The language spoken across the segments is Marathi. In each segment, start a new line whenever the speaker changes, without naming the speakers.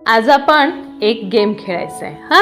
आज आपण एक गेम खेळायचा आहे हा.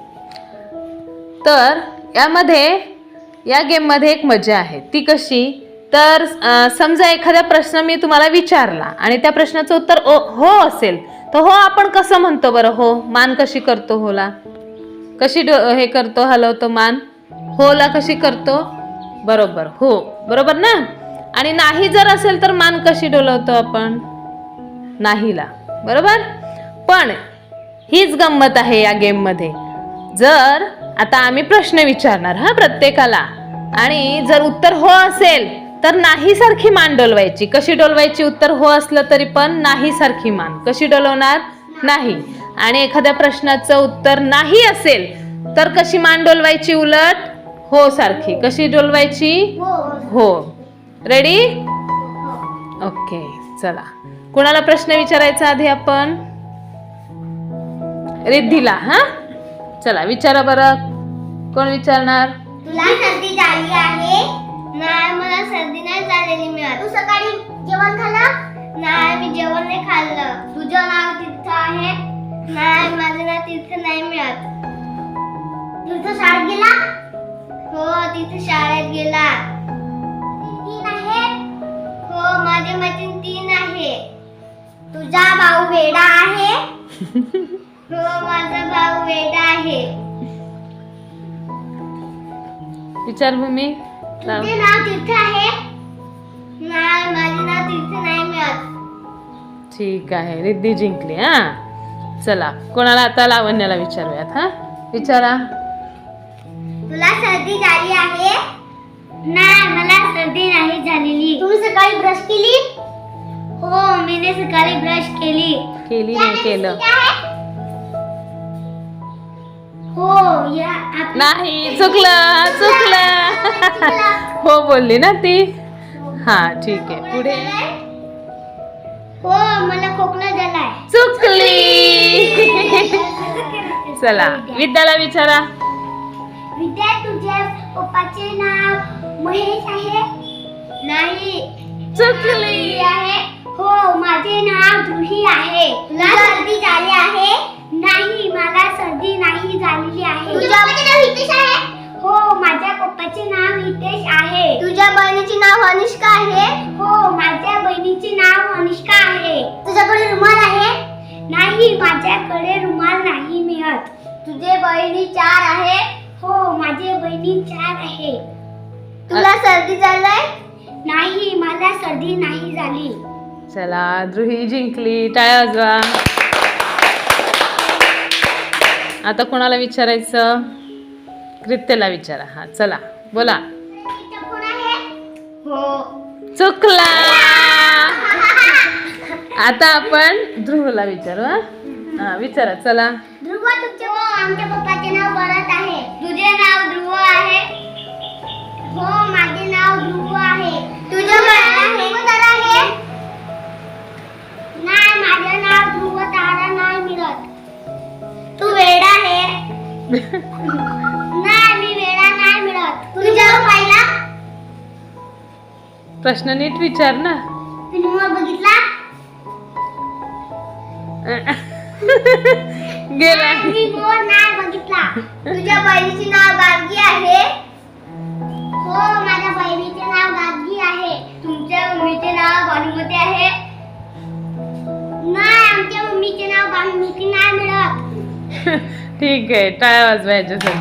तर या गेममध्ये एक मजा आहे. ती कशी तर समजा एखादा प्रश्न मी तुम्हाला विचारला आणि त्या प्रश्नाचं उत्तर हो असेल तर हो आपण कसं म्हणतो बरं? हो मान कशी करतो? होला कशी हे करतो, हलवतो मान? होला कशी करतो? बरोबर, हो बरोबर ना. आणि नाही जर असेल तर मान कशी डोलवतो आपण? नाहीला, बरोबर. पण हीच गंमत आहे या गेम मध्ये. जर आता आम्ही प्रश्न विचारणार हा प्रत्येकाला, आणि जर उत्तर हो असेल तर नाही सारखी मान डोलवायची. कशी डोलवायची? उत्तर हो असलं तरी पण नाही सारखी मान कशी डोलवणार? नाही. आणि एखाद्या प्रश्नाचं उत्तर नाही असेल तर कशी मान डोलवायची? उलट हो सारखी. कशी डोलवायची? हो. रेडी? ओके, चला. कोणाला प्रश्न विचारायचा आधी आपण? रिद्धीला. हा चला विचारा बरं. कोण विचारणार?
तुला सर्दी झाली आहे? नाही, मला सर्दी नाही झालेली मिळत. तू सकाळी जेवण खाल्लं? नाही, मी जेवण नाही खाल्लं. तुझं नाव तीर्थ आहे? नाही, माझं नाव तीर्थ नाही मिळत. तीर्थ शाळेत गेला? हो, तीर्थ शाळेत गेला. तीन आहे? हो, माझे मैत्रीण 3 आहे. तुझा भाऊ वेडा आहे? हो, माझा भाऊ वेडा आहे.
विचार भूमी.
तुझे नाव तीर्थ आहे? नाही, माझे नाव तीर्थ नाही मिळत.
ठीक आहे, रिद्धी जिंकली. हा चला, कोणाला आता लावण्याला विचारूयात. हा विचारा.
तुला सर्दी झाली आहे? नाही, मला सर्दी नाही झालेली. तुम्ही सकाळी ब्रश केली? हो, मीने सकाळी ब्रश केली.
नाही केलं.
हो,
नाही, चुकलं. हो बोलली ना ती. हा ठीक आहे, पुढे.
हो, मला खोकला झालाय.
चुकली. चला, विद्याला विचारा.
विद्या, तुझ्या पप्पाचे नाव महेश आहे? नाही.
चुकली
आहे? हो, माझे नाव जुही आहे. तुला सर्दी झाली आहे? नाही, मला सर्दी नाही झालेली आहे. तुझ्या पप्पाचे नाव हितेश आहे? हो, माझ्या पप्पाचे नाव हितेश आहे. तुझ्या बहिणीचे नाव अनुष्का आहे? हो, माझ्या बहिणीचे नाव अनुष्का आहे. तुझ्याकडे रुमाल आहे? नाही, माझ्याकडे रुमाल नाही मिळत. तुझे बहिणी 4 आहे? हो, माझे बहिणी 4 आहे. तुला सर्दी झालाय? नाही, मला सर्दी नाही झाली.
चला, ध्रुही जिंकली. टाळ्या वाजवा. आता कोणाला विचारायचं? कृत्यला विचारा. हा चला, बोला.
कोण आहे? हो.
चुकला. आता आपण ध्रुवला विचारू. हा विचारा. चला.
ध्रुव, आमच्या पप्पाचे नाव भरत आहे. तुझे नाव ध्रुव आहे? हो, माझे नाव ध्रुव आहे. तुझं नाव ध्रुव तारा आहे? नाही, माझे नाव ध्रुव तारा नाही मिळत. तू वेडा आहे? नाही, मी वेडा नाही मिळत. तुझ्या पाहिला?
प्रश्न नीट विचार ना.
तुम्ही मोर बघितला?
गेला.
मी मोर नाही बघितला. तुझ्या बहिणीचे नाव गार्गी आहे? हो, माझ्या बहिणीचे नाव गार्गी आहे. तुमच्या मम्मीचे नाव भानुमती आहे? नाही, आमच्या मम्मीचे नाव भानुमती नाही मिळत.
ठीक आहे, टाळ्या वाजवा याच्यासाठी.